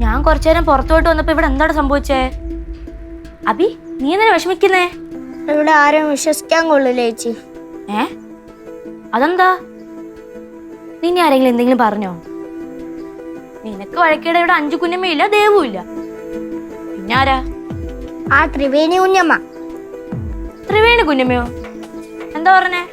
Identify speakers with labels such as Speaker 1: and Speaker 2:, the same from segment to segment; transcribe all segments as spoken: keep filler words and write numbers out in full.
Speaker 1: ഞാൻ കുറച്ചു നേരം പുറത്തോട്ട് വന്നപ്പോ ഇവിടെ എന്താണ് സംഭവിച്ചേ? അബി, നീ എന്തിനാ വിഷമിക്കുന്നേ?
Speaker 2: ഇവിടെ ആരും വിശ്വസിക്കാൻ കൊള്ളില്ല ചേച്ചി.
Speaker 1: ഏ അതെന്താ? നിന്നെ ആരെങ്കിലും എന്തെങ്കിലും പറഞ്ഞോ? നിനക്ക് വഴക്കേടെ ഇവിടെ അഞ്ചു കുഞ്ഞമ്മയില്ല, ദേവും ഇല്ല, പിന്നെ ആരാ?
Speaker 2: ആ ത്രിവേണി കുഞ്ഞമ്മ.
Speaker 1: ത്രിവേണി കുഞ്ഞമ്മയോ? എന്താ പറഞ്ഞേ?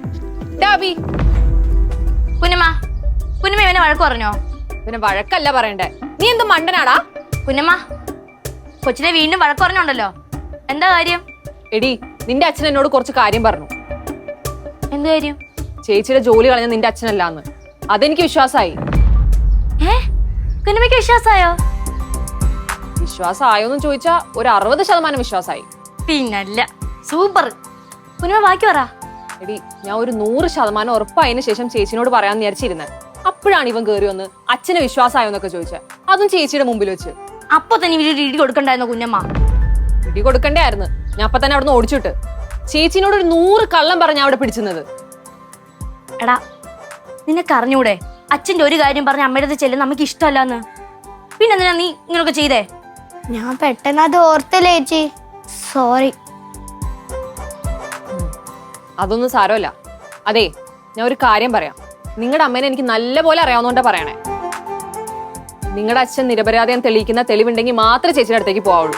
Speaker 1: കുഞ്ഞമ്മ കുഞ്ഞമ്മ ഇവനെ വഴക്ക് പറഞ്ഞോ?
Speaker 3: പിന്നെ വഴക്കല്ല പറയണ്ടേ, നീ എന്ത് മണ്ടനാടാ?
Speaker 1: കുഞ്ഞമ്മ കൊച്ചിനെ വീണ്ടും വഴക്ക് പറഞ്ഞോണ്ടല്ലോ, എന്താ കാര്യം?
Speaker 3: എടി, നിന്റെ അച്ഛൻ എന്നോട് കുറച്ച് കാര്യം പറഞ്ഞു.
Speaker 1: എന്ത് കാര്യം?
Speaker 3: ചേച്ചിയുടെ ജോലി കളഞ്ഞ നിന്റെ അച്ഛനല്ലാന്ന്. അതെനിക്ക് വിശ്വാസമായി.
Speaker 1: ഏ കുഞ്ഞമ്മയ്ക്ക് വിശ്വാസായോ?
Speaker 3: വിശ്വാസമായോന്ന് ചോദിച്ചാ ഒരു അറുപത് ശതമാനം വിശ്വാസമായി.
Speaker 1: പിന്നല്ല, സൂപ്പർ. കുഞ്ഞമ്മ ബാക്കി പറ.
Speaker 3: എടി, ഞാൻ ഒരു നൂറ് ശതമാനം ഉറപ്പായതിനു ശേഷം ചേച്ചിനോട് പറയാൻ വിചാരിച്ചിരുന്നത്. അപ്പോഴാണ് ഇവൻ കയറി വന്ന് അച്ഛന് വിശ്വാസമായോന്നൊക്കെ ചോദിച്ചത്, അതും ചേച്ചിയുടെ മുമ്പിൽ വെച്ച്.
Speaker 1: അപ്പൊ തന്നെ ഇവര് ഇടി കൊടുക്കണ്ടായിരുന്നോ കുഞ്ഞമ്മ?
Speaker 3: ഇടി കൊടുക്കണ്ടായിരുന്നു. ഞാൻ അപ്പൊ തന്നെ അവിടെ നിന്ന് ഓടിച്ചിട്ട് ചേച്ചിനോട് ഒരു നൂറ് കള്ളം പറഞ്ഞ അവിടെ പിടിച്ചുന്നത്.
Speaker 1: എടാ, നിനക്ക് അറിഞ്ഞൂടെ അച്ഛന്റെ ഒരു കാര്യം പറഞ്ഞ അമ്മയുടെ അടുത്ത് ചെല്ലുന്ന നമുക്ക് ഇഷ്ടമല്ലാന്ന്? പിന്നെന്തിനാ നീ ഇങ്ങനൊക്കെ ചെയ്തേ?
Speaker 2: ഞാൻ പെട്ടെന്ന് അത് ഓർത്തില്ല ചേച്ചി, സോറി.
Speaker 3: അതൊന്നും സാരമല്ല. അതെ, ഞാൻ ഒരു കാര്യം പറയാം. നിങ്ങളുടെ അമ്മേനെ എനിക്ക് നല്ല പോലെ അറിയാവുന്നോണ്ടാ പറയണേ. നിങ്ങളുടെ അച്ഛൻ നിരപരാധിയം തെളിയിക്കുന്ന തെളിവുണ്ടെങ്കിൽ മാത്രമേ ചേച്ചിയുടെ അടുത്തേക്ക് പോവുള്ളൂ.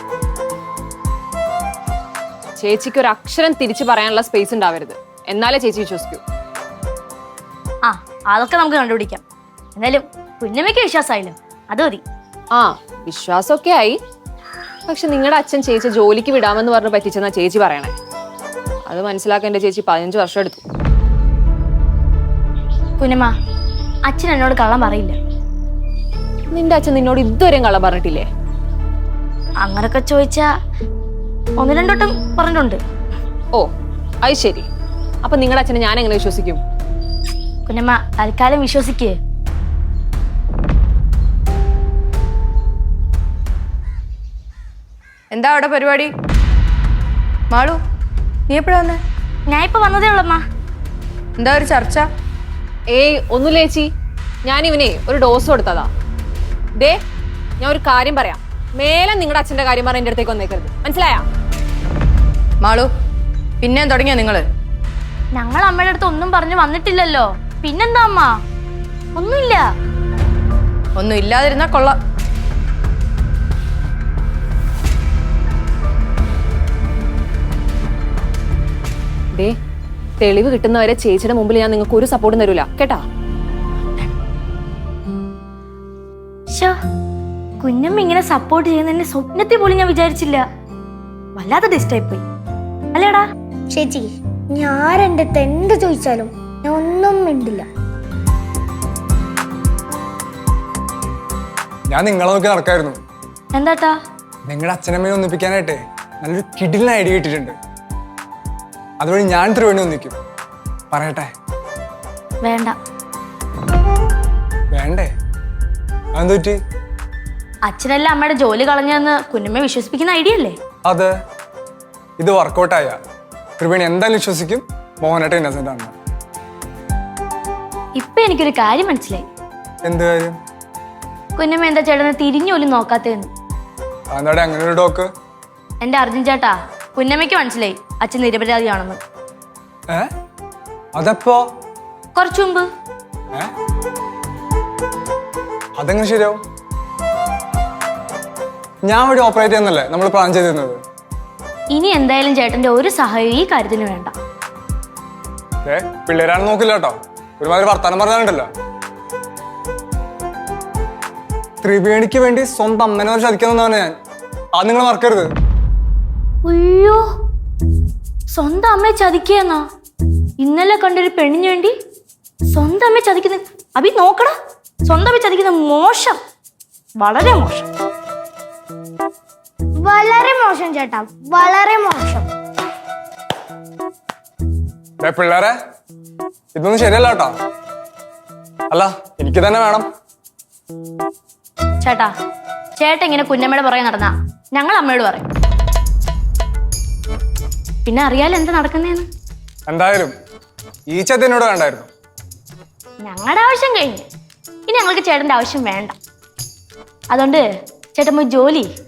Speaker 3: ചേച്ചിക്ക് ഒരു അക്ഷരം തിരിച്ചു പറയാനുള്ള സ്പേസ് ഉണ്ടാവരുത്, എന്നാലേ ചേച്ചി വിശ്വസിക്കൂ.
Speaker 1: ആ അതൊക്കെ നമുക്ക് കണ്ടുപിടിക്കാം. എന്തായാലും കുഞ്ഞമ്മയ്ക്ക് വിശ്വാസമായില്ലോ, അത് മതി.
Speaker 3: ആ വിശ്വാസമൊക്കെ ആയി. പക്ഷെ നിങ്ങളുടെ അച്ഛൻ ചേച്ചി ജോലിക്ക് വിടാമെന്ന് പറഞ്ഞ് പറ്റിച്ചെന്നാ ചേച്ചി പറയണേ. അത് മനസ്സിലാക്കാൻ എന്റെ ചേച്ചി പതിനഞ്ച് വർഷം എടുത്തു.
Speaker 1: കുഞ്ഞമ്മ, അച്ഛൻ എന്നോട് കള്ളം പറയില്ല.
Speaker 3: നിന്റെ അച്ഛൻ നിന്നോട് ഇതുവരെയും കള്ളം പറഞ്ഞിട്ടില്ലേ?
Speaker 1: അങ്ങനൊക്കെ ചോദിച്ചാ ഒന്ന് രണ്ടോട്ടം പറഞ്ഞിട്ടുണ്ട്.
Speaker 3: ഓ അത് ശരി. അപ്പൊ നിങ്ങളുടെ അച്ഛനെ ഞാൻ എങ്ങനെ വിശ്വസിക്കും?
Speaker 1: കുഞ്ഞമ്മ തൽക്കാലം വിശ്വസിക്കേ.
Speaker 4: എന്താ അവിടെ പരിപാടി? മാളു, നീ എപ്പോഴാ വന്നേ?
Speaker 1: ഞാൻ ഇപ്പൊ വന്നതേ ഉള്ളമ്മ.
Speaker 4: എന്താ ഒരു ചർച്ച?
Speaker 3: ഏയ് ഒന്നുമില്ല ചേച്ചി, ഞാൻ ഇവനെ ഒരു ഡോസ് കൊടുത്തതാ. ദേ, ഞാൻ ഒരു കാര്യം പറയാം. മേലെ നിങ്ങളുടെ അച്ഛന്റെ കാര്യം പറഞ്ഞ എന്റെ അടുത്തേക്ക് വന്നേക്കരുത്, മനസ്സിലായാ?
Speaker 4: മാളു, പിന്നെയും തുടങ്ങിയോ നിങ്ങള്?
Speaker 1: ഞങ്ങൾ അമ്മയുടെ അടുത്ത് ഒന്നും പറഞ്ഞു വന്നിട്ടില്ലല്ലോ. പിന്നെന്താ അമ്മ? ഒന്നുമില്ല.
Speaker 4: ഒന്നും ഇല്ലാതിരുന്നാ കൊള്ളാം.
Speaker 3: ദേ, തെളിവ് കിട്ടുന്നവരെ ചേച്ചിയുടെ മുമ്പിൽ ഞാൻ നിങ്ങൾക്ക് ഒരു സപ്പോർട്ടും തരൂല, കേട്ടാ?
Speaker 1: കുഞ്ഞമ്മ ഇങ്ങനെ സപ്പോർട്ട് ചെയ്യുന്ന സ്വപ്നത്തിൽ പോലും ഞാൻ വിചാരിച്ചില്ല. വല്ലാതെ ഡിസ്റ്റർബ് പോയി അല്ലേടാ?
Speaker 2: ചേച്ചി, ഞാൻ എൻ്റെ അടുത്ത് എന്ത് ചോദിച്ചാലും ഞാൻ ഒന്നും മിണ്ടില്ല.
Speaker 5: ഞാൻ നിങ്ങളെ നോക്കി നടക്കായിരുന്നു.
Speaker 1: എന്താട്ടാ?
Speaker 5: നിങ്ങളുടെ അച്ഛനമ്മയെ ഒന്നിപ്പിക്കാനായിട്ടേ നല്ലൊരു കിടിലിന് ഐഡിയ കിട്ടിയിട്ടുണ്ട്. അതുവഴി ഞാൻ ത്രിവേണി ഒന്നിക്കും. പറയട്ടെ?
Speaker 1: വേണ്ട.
Speaker 5: വേണ്ടേ? അതെന്ത് പറ്റി?
Speaker 1: അച്ഛനല്ല അമ്മയുടെ ജോലി കളഞ്ഞെന്ന് കുഞ്ഞമ്മയെ വിശ്വസിപ്പിക്കുന്ന ഐഡിയ അല്ലേ?
Speaker 5: അതെ. ഇത് വർക്കൗട്ടായ ത്രിവേണി എന്തായാലും വിശ്വസിക്കും മോഹനേട്ടൻ ഇന്നസെന്റ് ആണ്.
Speaker 1: ഇപ്പൊ എനിക്കൊരു കാര്യം മനസ്സിലായി.
Speaker 5: എന്ത് കാര്യം?
Speaker 1: കുഞ്ഞമ്മ എന്താ ചേട്ടനെ തിരിഞ്ഞോലും നോക്കാത്തേന്ന്.
Speaker 5: അതെന്താടെ അങ്ങനെ ഒരു ഡോക്ക്?
Speaker 1: എന്റെ അർജുൻ ചേട്ടാ, കുഞ്ഞമ്മയ്ക്ക് മനസ്സിലായി അച്ഛൻ നിരപരാധിയാണെന്ന്.
Speaker 5: ഏ അതെപ്പോ?
Speaker 1: കുറച്ചു മുമ്പ്.
Speaker 5: ഏ അതെങ്ങനെ ശരിയാവും? ഞാൻ ഇവിടെ ഓപ്പറേറ്റ് ചെയ്യുന്നല്ലേ നമ്മൾ പ്ലാൻ ചെയ്തിരുന്നത്.
Speaker 1: ഇനി എന്തായാലും ചേട്ടന്റെ ഒരു സഹായം ഈ കാര്യത്തിന് വേണ്ട.
Speaker 5: ഏ പിള്ളേരാണ് നോക്കില്ല കേട്ടോ, ഒരുമാതിരി വർത്താനം പറഞ്ഞാലുണ്ടല്ലോ. ത്രിവേണിക്ക് വേണ്ടി സ്വന്തം അമ്മനെ ചതിക്കുന്നതാണ് ഞാൻ. അത് നിങ്ങൾ മറക്കരുത്.
Speaker 1: അയ്യോ, സ്വന്തം അമ്മയെ ചതിക്കാന്നാ? ഇന്നലെ കണ്ടൊരു പെണ്ണിന് വേണ്ടി സ്വന്തം അമ്മയെ ചതിക്കുന്ന അഭി നോക്കടാ. സ്വന്തം അമ്മയെ ചതിക്കുന്ന മോശം, വളരെ മോശം.
Speaker 2: വളരെ മോശം ചേട്ടാ, വളരെ മോശം.
Speaker 5: പിള്ളേരെ, ഇതൊന്നും ശരിയല്ല കേട്ടോ. അല്ല, എനിക്ക് തന്നെ വേണം.
Speaker 1: ചേട്ടാ, ചേട്ടൻ ഇങ്ങനെ കുഞ്ഞമ്മയുടെ പുറകെ നടന്നാ ഞങ്ങൾ അമ്മയോട് പറയും. പിന്നെ അറിയാലോ എന്താ നടക്കുന്നേന്ന്.
Speaker 5: എന്തായാലും ഈ ചതിനോട് വേണ്ടായിരുന്നു.
Speaker 1: ഞങ്ങളുടെ ആവശ്യം കഴിഞ്ഞു. ഇനി ഞങ്ങൾക്ക് ചേട്ടന്റെ ആവശ്യം വേണ്ട. അതുകൊണ്ട് ചേട്ടൻ പോയി ജോലി